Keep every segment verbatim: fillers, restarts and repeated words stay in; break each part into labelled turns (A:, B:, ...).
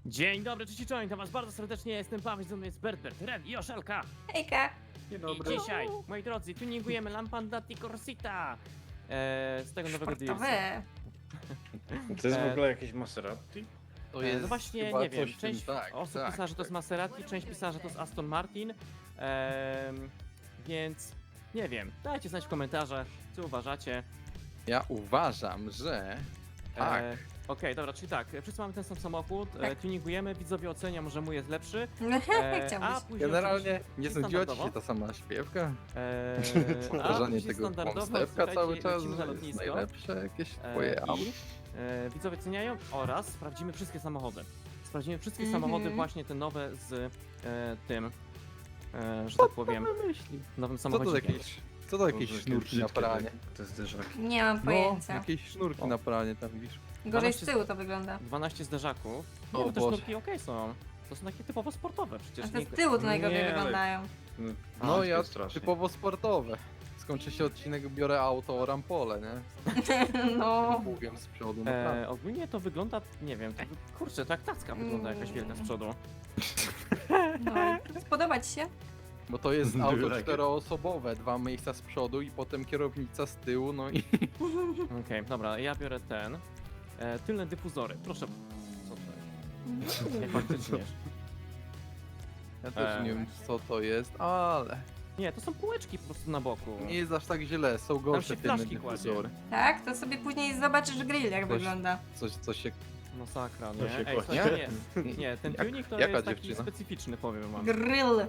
A: Dzień dobry, cześć i czołem, witam was bardzo serdecznie, jestem Paweł, ze mną jest Bert, Bert, Ren i Oszelka.
B: Hejka!
C: Dzień
A: I
C: dobry.
A: dzisiaj, moi drodzy, tuningujemy Lampandati Corsita e, z tego nowego D L C.
B: Sportowe.
C: To jest w
A: E,
C: ogóle jakieś Maserati?
D: To
A: E,
D: jest
A: no właśnie,
D: chyba
A: nie wiem,
D: coś w
A: część
D: tym, tak,
A: osób
D: tak,
A: pisała, że to jest
D: tak.
A: Maserati, część pisała, że to jest Aston Martin, e, więc nie wiem, dajcie znać w komentarzach, co uważacie.
D: Ja uważam, że tak.
A: E, Okej, dobra, czyli tak, wszyscy mamy ten sam samochód, e,
B: Tak.
A: tuningujemy, widzowie ocenią, że mój jest lepszy,
B: Jak
A: e,
B: chciałbyś.
A: a później
D: Generalnie
A: oczywiście
D: nie snudziła ci
A: standardowo.
D: się ta sama śpiewka?
A: Eee, a
D: Powtarzanie
A: później
D: tego
A: standardowo,
D: kłamstewka cały
A: słuchajcie,
D: czas
A: lecimy na
D: jest
A: lotnisko.
D: najlepsze jakieś
A: Eee,
D: twoje auto.
A: i, e, widzowie ceniają oraz sprawdzimy wszystkie samochody. Sprawdzimy wszystkie
B: Mhm.
A: samochody, właśnie te nowe z e, tym, e, że tak powiem,
D: Myśli.
A: nowym
D: Co to
A: samochodzikiem.
D: jakieś, co to jakieś
C: Boże,
D: sznurki na
C: brzydkie
D: pranie?
C: te- Te zderzaki.
B: Nie mam
D: No,
B: pojęcia.
D: jakieś sznurki
A: O.
D: na pranie tam widzisz.
B: Gorzej z
A: dwanaście
B: tyłu to wygląda.
A: dwanaście zderzaków. Nie,
D: O
A: no te
D: Boże.
A: sznurki okej są. To są takie typowo sportowe
B: A
A: przecież.
B: te
A: Nie,
B: z tyłu to najgorzej
C: Nie, ale-
B: wyglądają.
C: No,
D: No
C: to
D: ja
C: jest strasznie.
D: typowo sportowe. Skończy się odcinek, biorę auto o rampole, nie?
B: No.
D: Bugiem z przodu, naprawdę.
A: e, ogólnie to wygląda, nie wiem, to, wy- kurczę, tak tacka wygląda jakaś wielka z przodu.
B: no. Spodoba ci się?
D: Bo to jest
C: Do you
D: auto
C: like it?
D: czteroosobowe, dwa miejsca z przodu i potem kierownica z tyłu, no i
A: Okej, dobra, ja biorę ten. E, tylne dyfuzory, proszę. Co to jest? Nie, faktycznie.
D: ja też
A: Eee.
D: nie wiem co to jest, ale
A: Nie, to są półeczki po prostu na boku.
D: nie jest aż tak źle, są gorsze
A: się
D: tylne
A: flaszki kładzie.
D: dyfuzory.
B: Tak? To sobie później zobaczysz grill jak
D: Coś-
B: wygląda.
D: Coś, coś się...
A: Masakra,
C: To
A: nie?
C: się
A: Ej,
C: kładzie.
A: słuchajcie, nie, nie, ten
D: Jak-
A: tuning to
D: jaka
A: jest taki
D: dziewczyna?
A: specyficzny, powiem wam.
B: Grill.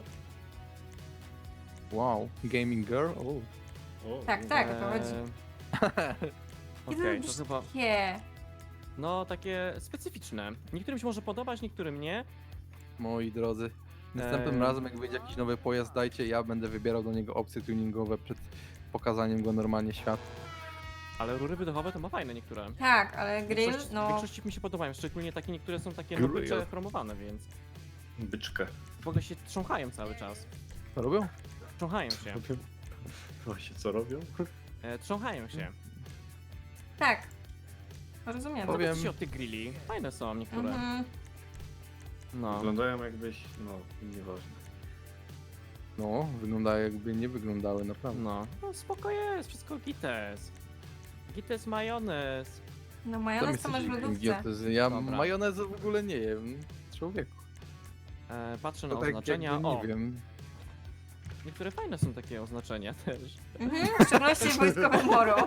D: Wow, gaming girl? O.
C: O,
B: Tak, tak, o to chodzi.
A: Eee, Okej, to chyba,
B: Nie.
A: no takie specyficzne. Niektórym się może podobać, niektórym nie.
D: Moi drodzy, następnym
A: Eee.
D: razem jak wyjdzie jakiś nowy pojazd, dajcie, ja będę wybierał do niego opcje tuningowe przed pokazaniem go normalnie światu.
A: Ale rury wydechowe to ma fajne niektóre.
B: Tak, ale
A: W
B: grill,
A: większości, w
B: no.
A: większości mi się podobają, szczególnie takie niektóre są takie
C: Grill.
A: nowycze, chromowane, więc
C: Byczkę.
A: w ogóle się trząchają cały czas.
D: Co robią?
A: Trząchają się.
C: Właśnie co robią?
A: E, trząchają się.
B: Tak. Rozumiem.
D: Powiem-
A: Zobaczcie się od tych grilli. Fajne są niektóre.
B: Mhm.
A: No.
C: Wyglądają jakbyś, no, nieważne.
D: No, wyglądają jakby nie wyglądały, naprawdę.
A: No. No spoko jest, wszystko gites. Gites majonez.
B: No
D: Tam
B: majonez to
D: jesteś
B: masz w lodówce.
D: idiotyzm. Ja
A: Dobra.
D: majonezu w ogóle nie jem. Człowieku.
A: E, patrzę na
D: To tak
A: oznaczenia.
D: jakby,
A: O,
D: nie wiem.
A: niektóre fajne są takie oznaczenia też.
B: Mhm. W szczególności wojskowe moro.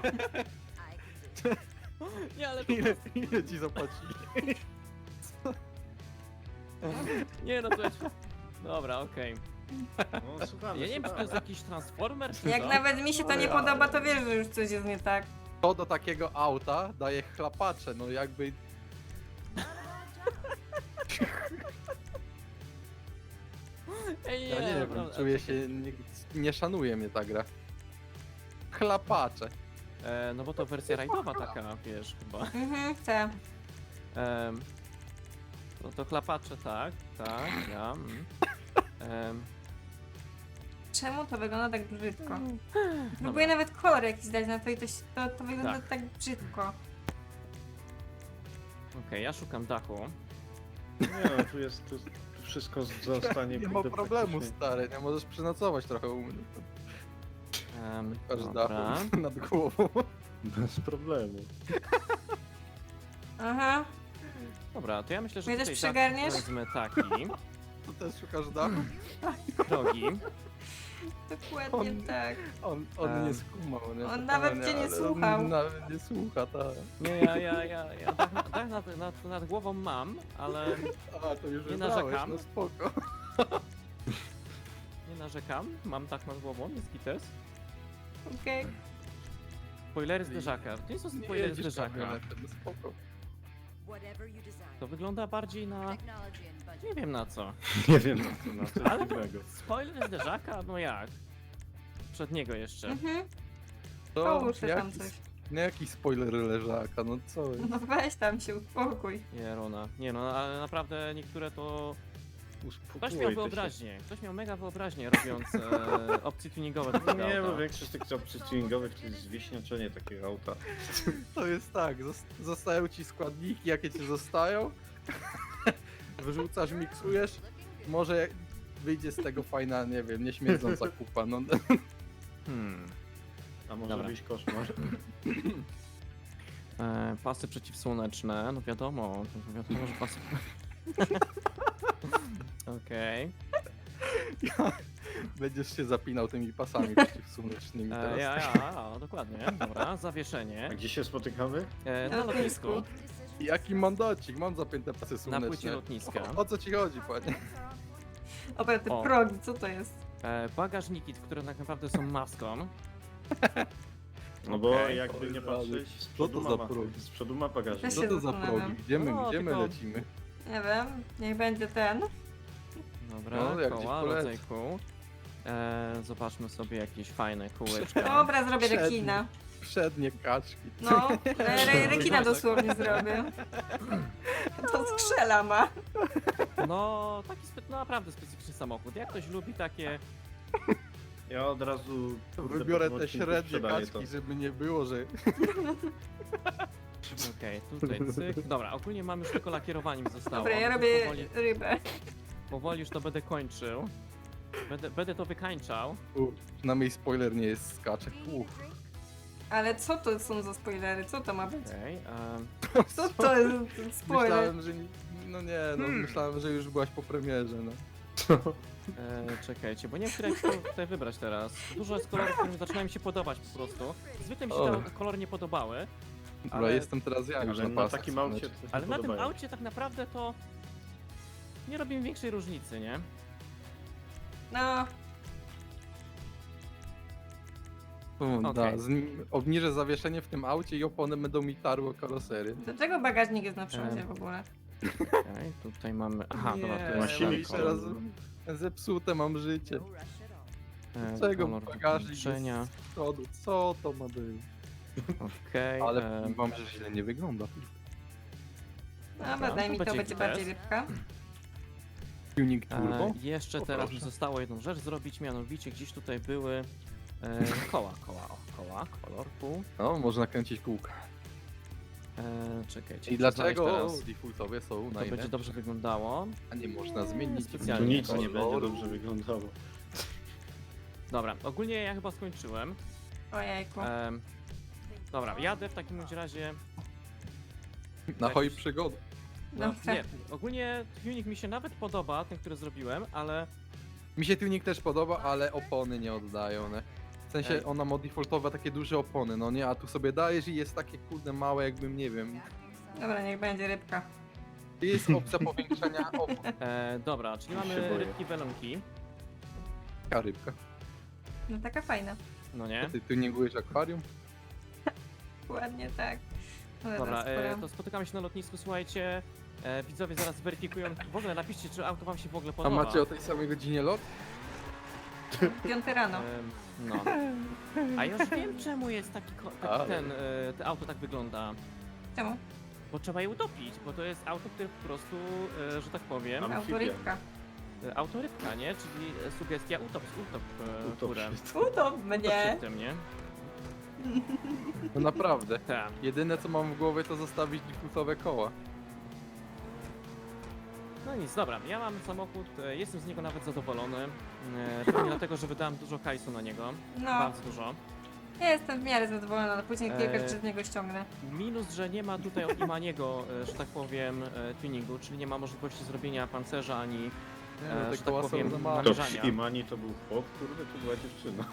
A: Nie, ale to...
D: Ile, ile ci zapłacili?
A: Nie no to jest... Dobra, okej.
C: No, słuchamy,
A: Ja nie wiem, czy to jest
C: słuchamy.
A: jakiś transformer, czy
B: Jak
A: co?
B: nawet mi się to nie
C: Ale-
B: podoba, to wiesz, że już coś jest nie tak.
D: To do takiego auta daje chlapacze, no jakby...
A: Ej,
D: Ja nie wiem,
A: dobra.
D: czuję się... Nie, nie szanuje mnie ta gra. Chlapacze.
A: E, no bo to wersja rajdowa taka, wiesz, chyba.
B: Mhm, chcę.
A: Em, no to chlapacze, tak, tak, ja. Mm. Em,
B: Czemu to wygląda tak brzydko?
A: Dobra.
B: Próbuję nawet kolor jakiś dać na to i to, się- to, to wygląda
A: Tak.
B: tak, brzydko.
A: Okej, ja szukam dachu.
C: Nie no, tu jest, tu, tu wszystko zostanie...
D: Nie ma
C: kurde,
D: problemu,
C: praktycznie-
D: stary, nie możesz przenocować trochę u mnie.
A: Um,
D: Aż
A: dobra.
D: dachu nad głową.
C: Bez problemu.
B: Aha.
A: Dobra, to ja myślę, że
B: Mnie
A: tutaj
B: też
A: dach
B: przygarniesz?
A: wezmę taki,
D: To też szukasz dachu?
A: drogi.
B: Dokładnie
D: On-
B: tak.
D: On, on
A: Em.
D: nie skumał, nie?
B: On
D: To
B: nawet
D: nie,
B: cię nie
D: ale
B: słuchał.
D: On nawet nie słucha, tak.
A: Nie, ja, ja, ja, ja dach, na- dach nad, nad, nad głową mam, ale
D: A, to już
A: Nie
D: wybrałeś,
A: narzekam.
D: no spoko.
A: nie narzekam. Mam dach nad głową, jest gites.
B: Okej.
A: Spoilery zderzaka. To nie są
D: Nie
A: spoilery
D: jedziesz
A: zderzaka.
D: kamionetem, no spoko.
A: To wygląda bardziej na... nie wiem na co.
C: Nie wiem na co, na co
A: Ale to
C: innego.
A: spoiler zderzaka? No jak? Przedniego jeszcze.
B: Mhm.
D: To
B: Połóż się tam
D: jaki,
B: coś.
D: nie jakiś spoiler leżaka, no co?
B: No weź tam się, uspokój.
A: Jerona. Nie no, ale naprawdę niektóre to... Ktoś
C: Uspokój
A: miał
C: ty
A: wyobraźnię. Ktoś miał mega wyobraźnię robiąc e, opcje tuningowe do
C: się.
A: tego
C: Nie,
A: auta.
C: bo większość tych opcji tuningowych to jest zwieśniaczenie takiego auta.
D: To jest tak, zos- zostają ci składniki, jakie ci zostają. wyrzucasz, miksujesz, może jak wyjdzie z tego fajna, nie wiem, nieśmierdząca kupa, no.
A: Hmm.
C: A może
A: Dobra.
C: być koszmar?
A: E, pasy przeciwsłoneczne, no wiadomo, no wiadomo, że pasy... Okej.
D: Będziesz się zapinał tymi pasami przeciwsłonecznymi
A: E,
D: teraz.
A: Ja, ja, ja, dokładnie, dobra, zawieszenie.
C: A gdzie się spotykamy?
A: E, na
B: Na
A: lotnisku,
B: lotnisku.
D: Jaki mandacik, mam zapięte pasy
A: na
D: słoneczne.
A: płycie lotniska.
D: O, o co ci chodzi, panie?
B: Dobra, te
A: O.
B: progi, co to jest?
A: E, bagażniki, które tak naprawdę są maską.
C: No bo
A: Okej.
C: jakby nie patrzeć, z
D: Co
C: przodu
D: to
C: ma,
D: za
C: ma,
D: progi?
C: z przodu ma bagażnik.
B: Też
D: Co
B: się
D: to za
B: zastanawiam.
D: progi? Gdzie my,
A: No,
D: gdzie my
A: tylko-
D: lecimy?
B: Nie wiem, niech będzie ten.
A: Dobra,
D: No, jak gdzieś
A: koła,
D: polecę.
A: rodzaj kół. E, zobaczmy sobie jakieś fajne kółeczka.
B: Dobra, zrobię
D: Przedni.
B: rekina.
D: Przednie kaczki.
B: No, re, re, rekina dosłownie zrobię. To skrzela ma.
A: No, taki spe- no, naprawdę specyficzny samochód. Jak ktoś lubi takie...
C: Ja od razu kurde,
D: Wybiorę
C: po tym
D: te
C: odcinku
D: średnie
C: sprzedaję
D: kaczki,
C: to.
D: żeby nie było, że...
A: Okej, tutaj cyk. Dobra, ogólnie mam już tylko lakierowanie mi zostało.
B: Dobra, ja
A: Więc
B: robię
A: Powoli,
B: rybę.
A: powoli już to będę kończył. Będę, będę to wykańczał.
D: U, przynajmniej spoiler nie jest skaczek. Uff.
B: Ale co to są za spoilery? Co to ma być?
A: Okej, em,
B: Co to jest ten spoiler?
D: Myślałem, że... nie- No nie, no
A: Hmm.
D: myślałem, że już byłaś po premierze, no.
A: e, czekajcie, bo nie wiem, które jak tutaj wybrać teraz. Dużo jest kolorów, które zaczynają mi się podobać po prostu. Zwykle mi się
D: O.
A: te kolory nie podobały,
D: Dobra,
A: Ale-
D: jestem teraz ja już
C: Ale
D: na
C: na
D: pasach
C: takim aucie
D: słonecznych.
C: to
A: ale
C: się
A: na tym
C: podobają.
A: aucie tak naprawdę to nie robi mi większej różnicy, nie?
B: No,
D: U,
A: Okej.
D: da, z, obniżę zawieszenie w tym aucie i opony będą mi tarły karosery.
B: dlaczego bagażnik jest na przodzie
A: Em.
B: w ogóle?
A: Okej, tutaj mamy... Aha, dobra, tu
C: ma
A: jest
D: mam
C: silnik
A: ten
D: teraz
A: kolor.
D: zepsute mam życie.
A: E,
D: Czego
A: kolor
D: bagażnik
A: wykończenia.
D: jest z przodu? Co to ma być?
A: Okej,
D: Ale
A: e,
D: powiem wam, że źle nie wygląda.
B: Dobra,
A: to
B: daj mi to,
A: będzie
B: będzie
A: git
B: bardziej
A: test.
B: rybka.
D: Tuning turbo?
A: E, jeszcze
D: O,
A: teraz mi
D: proszę.
A: zostało jedną rzecz zrobić, mianowicie gdzieś tutaj były e, koła, koła, o, koła, kolor, pół.
D: No, można kręcić kółka.
A: E, czekajcie.
D: I
A: muszę
D: dlaczego
A: znaleźć teraz.
D: defaultowe są
A: To będzie
D: najlepsze?
A: dobrze wyglądało.
D: A nie można zmienić
A: Specjalnie.
C: Tu nic nie będzie
D: koloru?
C: dobrze wyglądało.
A: Dobra, ogólnie ja chyba skończyłem.
B: Ojejku.
A: Em, dobra, jadę w takim bądź razie.
D: Na hoj
A: jakiś-
D: przygody.
A: No,
B: Dobra.
A: nie, ogólnie tuning mi się nawet podoba, ten, który zrobiłem, ale
D: Mi się tuning też podoba, ale opony nie oddają, ne? W sensie
A: Ej.
D: ona ma defaultowe takie duże opony, no nie? A tu sobie dajesz i jest takie kurde małe, jakbym nie wiem.
B: Dobra, niech będzie rybka.
D: Jest opcja powiększenia opon.
A: e, dobra, czyli
C: Już się
A: mamy
C: boję.
A: rybki welonki,
D: Taka rybka.
B: No taka fajna.
A: no nie?
D: Ty tuningujesz akwarium?
B: Ładnie tak. Ale
A: Dobra,
B: teraz
A: e,
B: sporo.
A: to spotykamy się na lotnisku, słuchajcie. E, widzowie zaraz weryfikują. W ogóle napiszcie, czy auto wam się w ogóle
D: A
A: podoba.
D: macie o tej samej godzinie lot?
B: Piąty rano.
A: Em, no. A już wiem, czemu jest taki, ko- taki
D: Ale.
A: ten, e, to auto tak wygląda.
B: Czemu?
A: Bo trzeba je utopić, bo to jest auto, które po prostu, e, że tak powiem,
C: Am-
B: Autorybka.
A: e, autorybka, nie? Czyli e, sugestia utop, utop, e,
C: Utop
A: górę.
C: się.
B: Utop
A: Utop
B: mnie!
A: się w tym, nie?
D: No naprawdę.
A: Tak.
D: Jedyne co mam w głowie to zostawić defaultowe koła.
A: No nic, dobra, ja mam samochód, e, jestem z niego nawet zadowolony. E, pewnie dlatego, że wydałem dużo hajsu na niego.
B: No,
A: Bardzo dużo.
B: ja jestem w miarę zadowolona, ale później kilka
A: Eee.
B: rzeczy z niego ściągnę.
A: Minus, że nie ma tutaj od Imaniego, e, że tak powiem, e, tuningu, czyli nie ma możliwości zrobienia pancerza ani,
D: Nie,
A: E,
D: no, te
A: że tak
D: koła są
A: powiem,
D: za małe.
C: To
A: namierzania.
C: w Imani to był chłop, kurde, to była dziewczyna.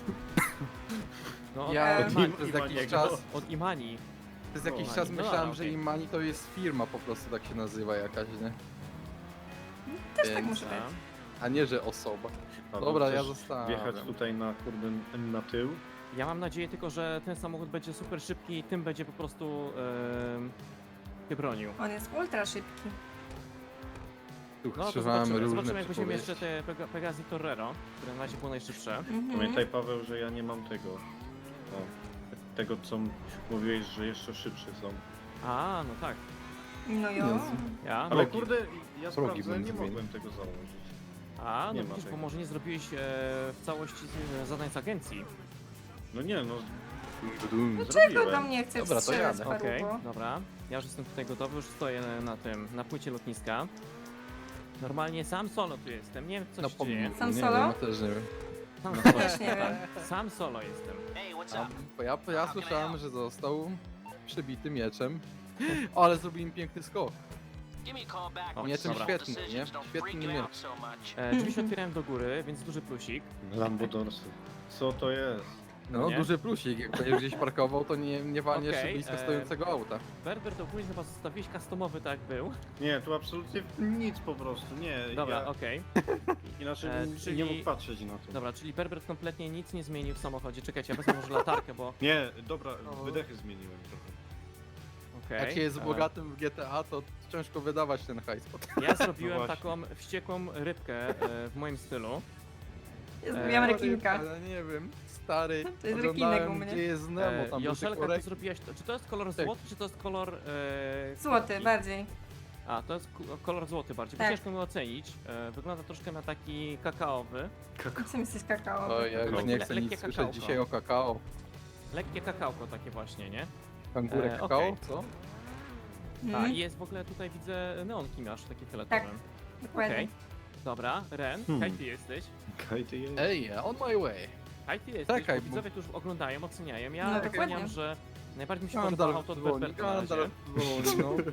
A: no,
D: Ja
A: od,
B: Em.
A: Imani,
D: przez
C: Imaniego.
D: jakiś czas,
A: od Imani.
D: przez jakiś
C: No,
D: czas
A: no
D: myślałem,
A: dobra,
D: że
A: okej.
D: Imani to jest firma po prostu tak się nazywa jakaś, nie?
B: Też tak
D: Więc-
B: muszę być.
D: A nie, że osoba.
C: A to
D: Dobra, ja
C: chcesz
D: zostawiam.
C: wjechać tutaj na kurde n- na tył.
A: Ja mam nadzieję tylko, że ten samochód będzie super szybki i tym będzie po prostu e, się bronił.
B: On jest ultra szybki.
D: Tu
A: No to
D: używamy
A: zobaczymy,
D: różne
A: zobaczymy jak weźmiemy jeszcze
D: przypowieści.
A: te Pega- Pegasi Torrero, które na razie było najszybsze.
B: Mhm.
C: Pamiętaj Paweł, że ja nie mam tego. No, tego co m- mówiłeś, że jeszcze szybsze są.
A: A, no tak.
B: No jo.
D: Jezu.
A: Ja,
C: Ale
A: no,
C: kurde, ja
D: Progi
C: sprawdzałem, nie
D: bym
C: mogłem tego założyć.
A: a, no
C: nie ma
A: widzisz, bo
C: tego.
A: może nie zrobiłeś e, w całości z- zadań z agencji.
C: No nie, no
B: Czego
C: zrobiłem.
B: do mnie chcesz
D: Dobra, to
B: strzelać,
D: jadę.
B: parubo?
A: Okej, dobra. Ja już jestem tutaj gotowy, już stoję na tym, na płycie lotniska. Normalnie sam solo tu jestem, nie wiem co
D: No
A: się
D: po
A: dzieje.
D: mnie,
B: Sam
D: nie
B: solo?
D: wiem, ja też nie wiem.
A: Sam
B: No
A: solo,
B: też nie wiem.
A: sam solo jestem.
D: A, ja, ja słyszałem, że został przybity mieczem. O, ale zrobił im piękny skok.
A: O,
D: Mieczem
A: dobra.
D: świetny, nie? Świetny miecz.
A: E, drzwi się otwierałem do góry, więc duży plusik.
C: Lambodorsy. Co to jest?
D: No,
A: Nie?
D: duży plusik. Jak będziesz gdzieś parkował, to nie, nie walniesz
A: Okej,
D: blisko
A: e,
D: stojącego auta.
A: Berber to ogólnie chyba zostawiłeś customowy tak jak był.
C: Nie, tu absolutnie nic po prostu, nie.
A: Dobra,
C: ja
A: okej.
C: inaczej
A: E,
C: bym
A: czyli-
C: nie mógł patrzeć na to.
A: Dobra, czyli Berber kompletnie nic nie zmienił w samochodzie. Czekajcie, ja wezmę może latarkę, bo...
C: Nie, dobra,
A: O.
C: wydechy zmieniłem trochę.
A: Okej.
D: Jak się jest
A: e,
D: bogatym w G T A, to ciężko wydawać ten hajs.
A: Ja zrobiłem
C: No właśnie.
A: taką wściekłą rybkę e, w moim stylu.
B: Ja zrobiłam
A: E,
B: rekinka.
D: Ale nie wiem, stary,
B: To jest
D: oglądałem,
B: rekinek u mnie.
D: gdzie jest Nemo,
A: E,
D: tam był
A: Joszelka,
D: tylko
A: ty
D: rek...
A: zrobiłaś to, czy to jest kolor
D: Tak.
A: złoty, czy to jest kolor... E,
B: Złoty,
A: kropki?
B: bardziej.
A: A, to jest ku- kolor złoty bardziej, bo
B: Tak.
A: ciężko mi ocenić. E, wygląda troszkę na taki kakaowy.
B: Czym jesteś kakao?
D: O, ja już
C: Le-
D: nie chcę
A: lekkie
D: nic słyszeć
A: kakałko.
D: dzisiaj o kakao.
A: Lekkie kakałko takie właśnie, nie?
D: Kangurę
A: E,
D: kakao,
A: okej.
D: co?
A: A,
B: Mhm,
A: i jest w ogóle tutaj widzę neonki masz, takie fioletowe.
B: dokładnie.
A: Okej. Dobra, Ren,
C: Hmm.
A: kaj ty jesteś?
C: Kaj ty jest?
D: Ej, on my way.
A: Kaj ty jesteś,
D: Czekaj,
A: bo
D: bo-
A: widzowie tu już oglądają, oceniają. Ja
B: No,
A: oceniam,
B: dokładnie.
A: że najbardziej mi się podoba
D: Gandalf
A: auto od
D: dzwoni,
A: Berberta na razie.
D: Gandalf dzwoni, no.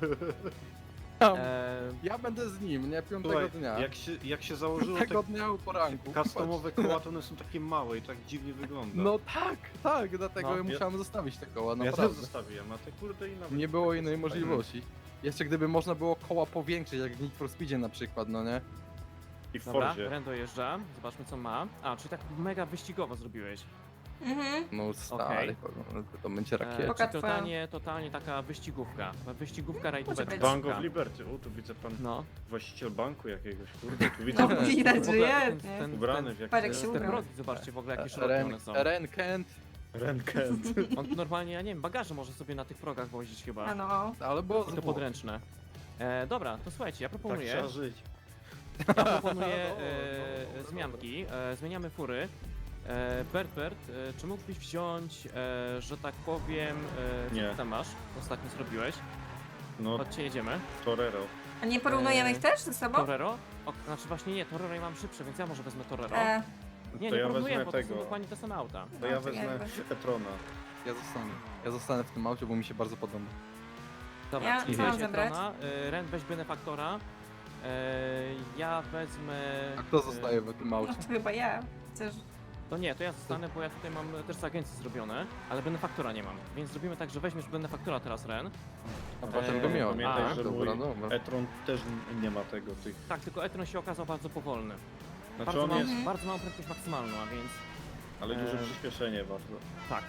D: Tam,
A: E,
D: Ja będę z nim, nie? Piątego
C: Słuchaj,
D: dnia.
C: jak się, jak się założyło
D: Tego
C: te
D: dnia u poranku.
C: customowe koła, to one są takie małe i tak dziwnie wygląda.
D: No tak, tak, dlatego
A: No.
D: ja musiałem zostawić te koła,
C: ja też
D: naprawdę.
C: zostawiłem, a te kurde i nawet...
D: Nie było
C: tak
D: innej
C: fajne.
D: możliwości. Jeszcze gdyby można było koła powiększyć, jak w Need for Speedzie na przykład, no nie?
C: I w
A: dobra,
C: Fordzie.
A: Ren dojeżdża, zobaczmy co ma. A, czyli tak mega wyścigowo zrobiłeś.
B: Mhm.
D: No stary,
A: Okej.
D: to, to będzie
A: E,
D: rakieta.
B: Poka
A: czyli
B: twoja.
A: totalnie, totalnie taka wyścigówka. Wyścigówka
B: Może
A: rajdóweczka.
B: być.
C: Bank of Liberty, o tu widzę pan
A: No,
C: właściciel banku jakiegoś, kurde, tu widzę
B: No,
C: pan
B: widać,
A: w
B: że
A: ogóle
B: jest,
A: ten-
B: nie?
A: ten-
C: ubrany w
B: Parek
C: jakieś...
B: się
A: te
B: ubrał.
A: progi, zobaczcie w ogóle jakie szerokie
D: Ren,
A: one są.
D: Ren Kent,
C: Renkę.
A: On normalnie, ja nie wiem, bagaże może sobie na tych progach wozić chyba.
B: A no.
D: ale było
A: I to
D: zwłok.
A: podręczne. E, dobra, to słuchajcie, ja
C: Tak
A: proponuję,
C: trzeba żyć.
A: ja proponuję
D: Dobra,
A: e,
D: dobra,
A: zmianki, e, zmieniamy fury. E, Bert, Bert, e, czy mógłbyś wziąć, e, że tak powiem, e, co
C: Nie.
A: ty tam masz? Ostatnio zrobiłeś.
C: No,
A: Chodźcie, jedziemy.
C: Torero.
B: A nie porównujemy
A: E,
B: ich też ze sobą?
A: Torero? O, znaczy właśnie nie, Torero ja mam szybsze, więc ja może wezmę Torero.
B: E,
A: Nie,
C: to
A: nie
C: ja
A: porównuję,
C: wezmę
A: bo to są
C: tego.
A: dokładnie te same auta.
C: To ja
B: no,
C: wezmę
B: jakby.
C: Etrona.
D: Ja zostanę. Ja zostanę w tym aucie, bo mi się bardzo podoba.
A: Dobra,
B: Ja
A: czyli
B: co mam
A: weź
B: zabrać?
A: Etrona, e, Ren weź Benefaktora, e, ja wezmę...
D: A kto
A: e,
D: zostaje w tym
B: no
D: aucie?
B: to chyba ja. Chociaż...
A: To nie, to ja zostanę, bo ja tutaj mam też z agencji zrobione, ale Benefaktora nie mam. Więc zrobimy tak, że weźmiesz Benefaktora teraz, Ren.
D: A potem go
A: Eee,
D: miał.
C: Pamiętaj,
A: a,
C: że
D: dobra,
C: mój
D: dobra.
C: Etron też n- nie ma tego, tych...
A: Tak, tylko Etron się okazał bardzo powolny.
C: Znaczy
A: Bardzo,
C: on
A: mam,
C: jest,
B: Mhm.
A: bardzo małą prędkość maksymalną, a więc
C: ale duże
A: Eee.
C: przyspieszenie bardzo.
A: tak.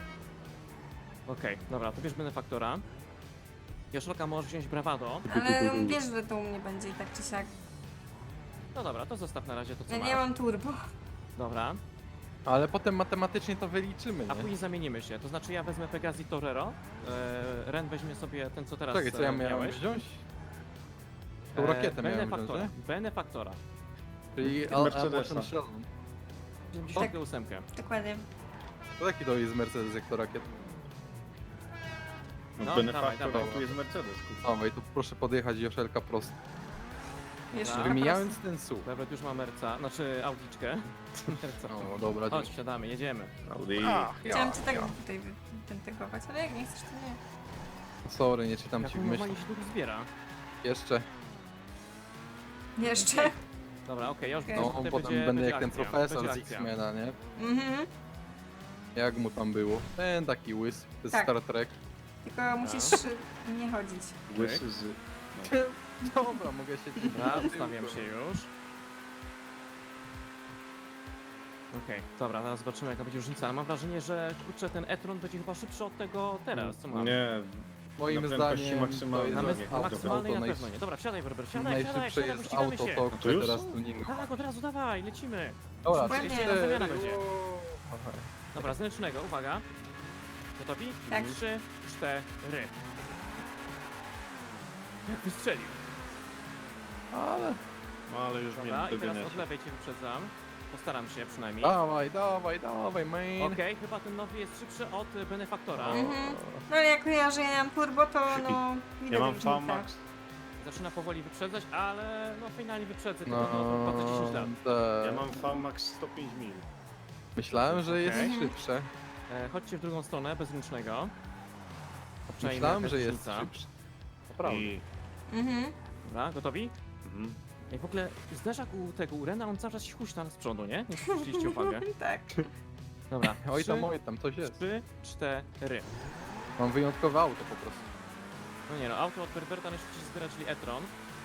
A: Okej, dobra, to bierz Benefaktora. Joszelka możesz wziąć Bravado.
B: Ale wiesz, że to u mnie będzie i tak czy siak.
A: No dobra, to zostaw na razie to co
B: Ja
A: masz.
B: nie mam turbo.
A: Dobra,
D: Ale potem matematycznie to wyliczymy,
A: a
D: nie?
A: później zamienimy się. To znaczy ja wezmę Pegasi Torero, e, Ren weźmie sobie ten co teraz
D: Czekaj, co ja
A: e,
D: miałem
A: miałeś.
D: wziąć? Tą
A: E,
D: rakietę miałem wziąć,
A: Benefaktora,
D: nie?
A: Benefaktora.
D: Czyli
C: Ty
D: Al-
C: Mercedesa.
D: Al- Sheldon.
A: siedemdziesiąt osiem.
B: Dokładnie.
D: To jaki to jest Mercedes, jak to rakiet?
C: No,
A: No,
C: Benefaktor,
A: dawaj, dawaj.
C: a tu jest Mercedes, kurwa.
D: Dawaj, to proszę podjechać Joszelka prosto.
B: Jeszcze
A: Dobra.
B: raz.
D: Wymijając ten słup.
A: Nawet już ma merca, znaczy audiczkę. Merca.
D: O, dobra,
A: Chodź,
D: dzięki.
A: wsiadamy, jedziemy.
C: Audi.
B: Chciałam cię tak tutaj wytentegować, ale jak nie chcesz, to nie.
D: Sorry, nie czytam
A: Jak
D: ci
A: on
D: w myśli.
A: normalnie się długo zbiera.
D: Jeszcze.
B: Jeszcze?
A: Dobra, okej, ja już
B: Okej.
A: widzę, że
D: No,
A: tutaj
D: potem
A: będzie,
D: będę
A: będzie
D: jak ten
A: akcja,
D: profesor
A: będzie
D: z
A: akcja.
D: X-Mena, nie?
B: Mhm.
D: Jak mu tam było? Ten taki łys, to jest
B: Tak.
D: Star Trek.
B: Tylko musisz y, nie chodzić.
C: Łysy z...
D: Dobra, mogę się...
A: Dobra, ustawiam się już. Okej, dobra, teraz zobaczymy jaka będzie różnica, ale mam wrażenie, że kurczę, ten e-tron będzie chyba szybszy od tego teraz, co mam.
C: Nie,
D: Moim
C: Na prędkości
D: zdaniem
C: maksymalnej.
A: Na,
D: to
A: mes-
D: jest
C: nie,
A: na
C: auto,
A: maksymalnej na
D: auto
A: pewno nie. Dobra, wsiadaj, Berber, wsiadaj, wsiadaj,
D: Najszybsze
A: wsiadaj,
D: jest
A: ścigamy
D: auto
A: się.
D: to,
C: To
D: które
C: już?
D: teraz tuningu.
A: Tak, od razu dawaj, lecimy.
D: Dobra,
B: Dokładnie.
D: trzy,
A: Zamiana
D: cztery.
A: będzie.
D: o, aha.
A: Dobra, z ręcznego, uwaga. Gotowi?
B: Tak.
A: Trzy, cztery. Jak wystrzelił.
D: Ale...
C: no ale już mnie
A: Dobra, i teraz
C: dogoniacie.
A: od lewej cię wyprzedzam. Postaram się przynajmniej.
D: Dawaj, dawaj, dawaj, man.
A: Okej, chyba ten nowy jest szybszy od y, Benefaktora.
B: Mhm. No ale jak kojarzę, ja nie mam turbo, to no...
C: Ja
B: widać
C: mam
B: różnicę.
C: V-Max.
A: zaczyna powoli wyprzedzać, ale no finalnie wyprzedzę, tylko no, to
D: No,
A: trwa dziesięć lat.
D: tak.
C: Ja mam V max sto pięć mil.
D: Myślałem, że jest
A: Okej.
D: szybsze.
A: E, chodźcie w drugą stronę, bezręcznego. Obczajmy,
D: Myślałem,
A: jaka
D: że jest
A: różnica.
D: szybsze. Naprawdę.
C: I...
B: Mhm.
A: Dobra, gotowi?
C: Mhm.
A: I w ogóle zderzak u tego u Rena, on cały czas się huśta z przodu, nie? Nie zwróciliście uwagę.
B: Tak.
A: Dobra,
D: Oj tam,
A: trzy,
D: oj tam, coś jest.
A: trzy, cztery.
D: Mam wyjątkowe auto po prostu.
A: No nie no, auto od Berberta najszybciej się zbiera, czyli e-tron.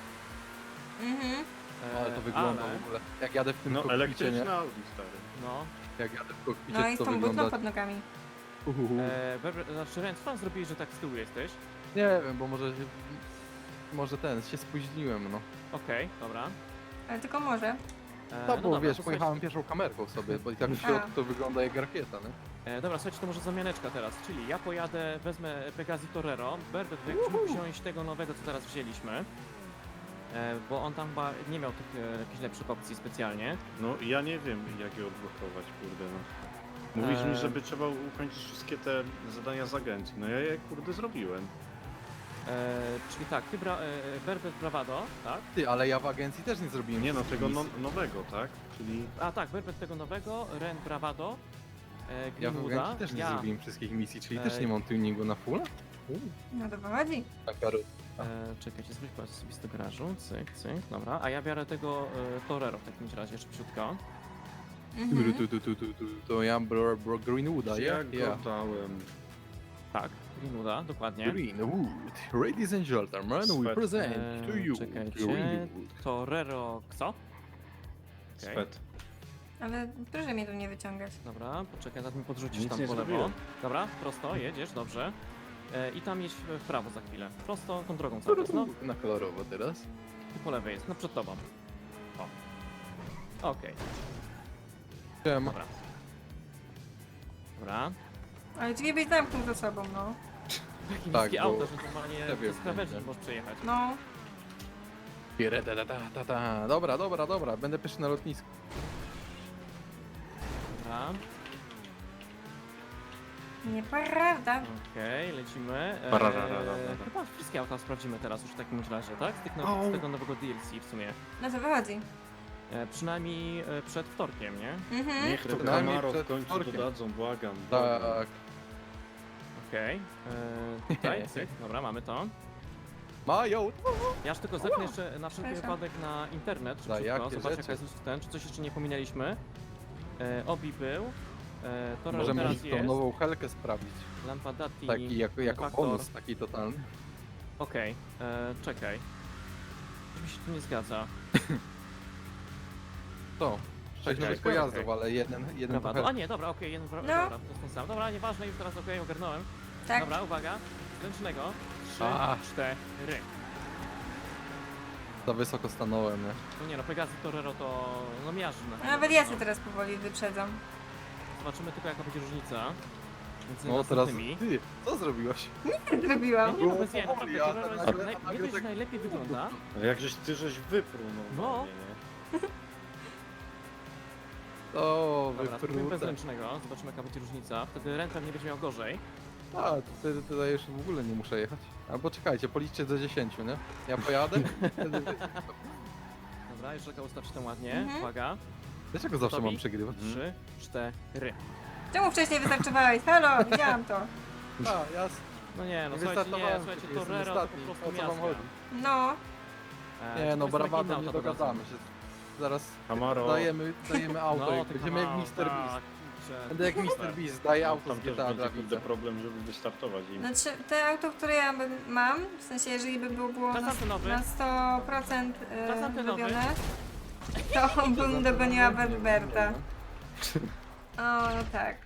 B: Mhm.
A: E,
D: Ale to wygląda
A: ale,
D: w ogóle. Jak jadę w tym
C: No
D: kokpicie, nie?
C: elektryczny Audi, stary.
A: No,
D: Jak jadę w kokpicie,
B: No i z
D: to
B: tą
D: wygląda...
B: butną pod nogami.
D: Uhuhu.
A: e, Berber, znaczy Ren, co tam zrobiłeś, że tak z tyłu jesteś?
D: Nie wiem, bo może... się- Może ten, się spóźniłem, no.
A: Okej, dobra.
B: Ale tylko może.
A: E,
D: No bo
A: dobra,
D: wiesz,
A: to
D: pojechałem pierwszą kamerką sobie, bo i tak w
B: A.
D: środku to wygląda jak rakieta, nie?
A: słuchajcie- E, dobra, słuchajcie, to może zamianeczka teraz, czyli ja pojadę, wezmę Pegasi Torero, Berbert, jakbyś mógł wziąć tego nowego, co teraz wzięliśmy. E, bo on tam chyba nie miał tych e, jakichś lepszych opcji specjalnie.
C: No ja nie wiem jak je odblokować, kurde no. Mówisz mi,
A: Eee.
C: żeby trzeba ukończyć wszystkie te zadania z agencji. No ja je kurde zrobiłem.
A: E, czyli tak, ty bra, e, Berbert Bravado, tak?
D: Ty, ale ja w agencji też nie zrobiłem
C: Nie no,
D: wszystkich
C: tego no,
D: misji.
C: nowego, tak? Czyli...
A: A tak, Berbert tego nowego, Ren Bravado, e,
D: Ja w
A: Greenwooda,
D: agencji też nie
A: ja,
D: zrobiłem wszystkich misji, czyli
A: Ej.
D: też nie mam tuningu na full?
B: No to wychodzi.
D: Taka ro-
A: e, czekajcie, zwróć pas osobisty garażu, cyk, cyk, dobra, a ja biorę tego e, Torero w takim razie szybciutko.
B: Mhm.
D: Tu, tu, tu, tu, tu, to ja bro, bro Greenwooda,
C: ja
D: ja?
C: go
D: Ja.
C: dałem.
A: Tak, Greenwooda, dokładnie.
D: Greenwood, ladies and gentlemen, we
C: Swet.
D: present to
A: Eee,
D: you
A: czekajcie.
D: Greenwood.
A: Torero, co? Okej.
C: Spet.
B: Ale proszę mnie tu nie wyciągać.
A: Dobra, poczekaj, zaraz mi podrzucisz
C: Nic
A: tam
C: nie
A: po lewo.
C: zrobiłem.
A: Dobra, prosto, jedziesz, dobrze. E, I tam jedź w w prawo za chwilę. Prosto, tą drogą cały czas, no.
D: Na kolorowo teraz.
A: I po lewej jest, no przed tobą. O. Okej,
D: Siema.
A: dobra. Dobra.
B: Ale drzwi byś zamknął za sobą, no.
A: Takie
D: Tak,
A: niskie
D: bo
A: auto, że normalnie
D: ja wiem,
A: z krawędzi
D: wiem.
A: możesz przejechać.
B: No.
D: Piere, ta, ta, ta, ta, ta. Dobra, dobra, dobra, będę pierwszy na lotnisku.
A: Dobra,
B: Nieprawda.
A: okej, lecimy. E,
C: Pararararara.
A: chyba wszystkie auta sprawdzimy teraz już w takim razie, tak? Z, tych now-
C: Au.
A: z tego nowego D L C w sumie.
B: No to wychodzi.
A: E, przynajmniej e, przed wtorkiem, nie?
B: Mhm.
C: Niech to
D: Przynajmniej
C: Camaro w
D: przed
C: końcu
D: wtorkiem.
C: dodadzą, błagam. błagam.
D: Tak.
A: Okej. E, Tutaj, cyk, dobra, mamy to.
D: Mają!
A: Ja aż tylko zerknę jeszcze na wszelki
B: Proszę.
A: wypadek na internet,
D: Za
A: szybciutko,
D: jakie
A: zobacz
D: rzeczy?
A: jaka jest ten, czy coś jeszcze nie pominęliśmy. E, Obi był, e, Torero
D: Możemy
A: teraz
D: tą
A: jest,
D: nową helkę sprawdzić.
A: Lampadati,
D: Taki jako, jako
A: Faktor.
D: bonus, taki totalny.
A: Okej, e, czekaj. Coś mi się tu nie zgadza.
D: To. Sześć
A: Okej,
D: nowych
A: okej,
D: pojazdów,
A: okej.
D: ale jeden, jeden
A: Bravado.
D: to
A: A nie, dobra, okej, jeden bra-
B: No.
A: dobra, to jest ten sam. Dobra, nieważne, już teraz okej, ogarnąłem.
B: Tak.
A: Dobra, uwaga, ręcznego. Trzy,
D: A.
A: cztery.
D: Za wysoko stanąłem, nie?
A: No nie no, Pegasi Torero to no miażdży na
B: Nawet ja
A: no.
B: się teraz powoli wyprzedzam.
A: Zobaczymy tylko jaka będzie różnica. Między
D: No teraz
A: następnymi.
D: ty, co zrobiłaś?
B: Zrobiłam.
A: Nie, no bez jaj, naprawdę,
D: Ja
A: Torero
D: teraz-
A: jest
D: ale-
A: naj,
D: ale
A: nie dość, że
D: tak-
A: najlepiej wygląda.
C: Ale jakżeś ty żeś wyprół normalnie, nie?
D: O,
A: Dobra, spróbujmy bez
D: wyprute.
A: ręcznego, zobaczymy jaka będzie różnica. Wtedy ręczem nie będzie miał gorzej.
D: A, to wtedy tutaj już w ogóle nie muszę jechać. Albo czekajcie, policzcie do dziesięciu, nie? Ja pojadę? Wtedy wy-
A: Dobra, jeszcze tylko ustawcie tam ładnie.
B: Mhm.
A: Uwaga.
D: Dlaczego zawsze
A: Gotowi?
D: mam przegrywać?
A: Trzy, cztery.
B: Czemu wcześniej wystarczowałeś? Halo, widziałam to.
D: A, jasne.
A: No nie, no
D: Nie
A: słuchajcie, nie,
D: wystartowałem,
A: słuchajcie,
D: przecież jestem
A: Torero to po
D: ostatni.
A: prostu
D: O co wam
A: miazga.
D: chodzi?
B: No.
A: E,
D: Nie
A: to
D: no,
A: jest takie
D: brawado
A: inne
D: nie
A: auto
D: dogadamy
A: dadzą.
D: się. Zaraz
C: Camaro.
D: dajemy, dajemy auto,
A: No,
D: jak
A: ty
D: będziemy jak
A: Camaro,
D: mister Beast.
A: tak, kurczę.
D: Będę jak mister Beast, daję auto
C: Tam
D: z
C: też
D: G T A
C: będzie
D: dla
C: kurde
D: widza.
C: problem, żeby wystartować im.
B: Znaczy, te auto, które ja bym- mam, w sensie jeżeli by było, było
A: Czas
B: na,
A: antynowy.
B: na sto procent
A: Czas
B: e,
A: antynowy.
B: robione, to bym dogoniła Berberta. O, no tak.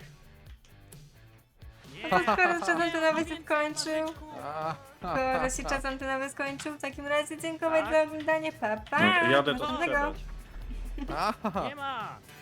A: Nie,
B: To skoro czas antynowy się skończył,
D: A,
B: skoro się czas antynowy skończył, w takim razie dziękuję
A: Tak.
B: za oglądanie, pa pa!
C: No, jadę to
B: Następnego.
C: sprzedać.
D: Aha.
A: nie ma!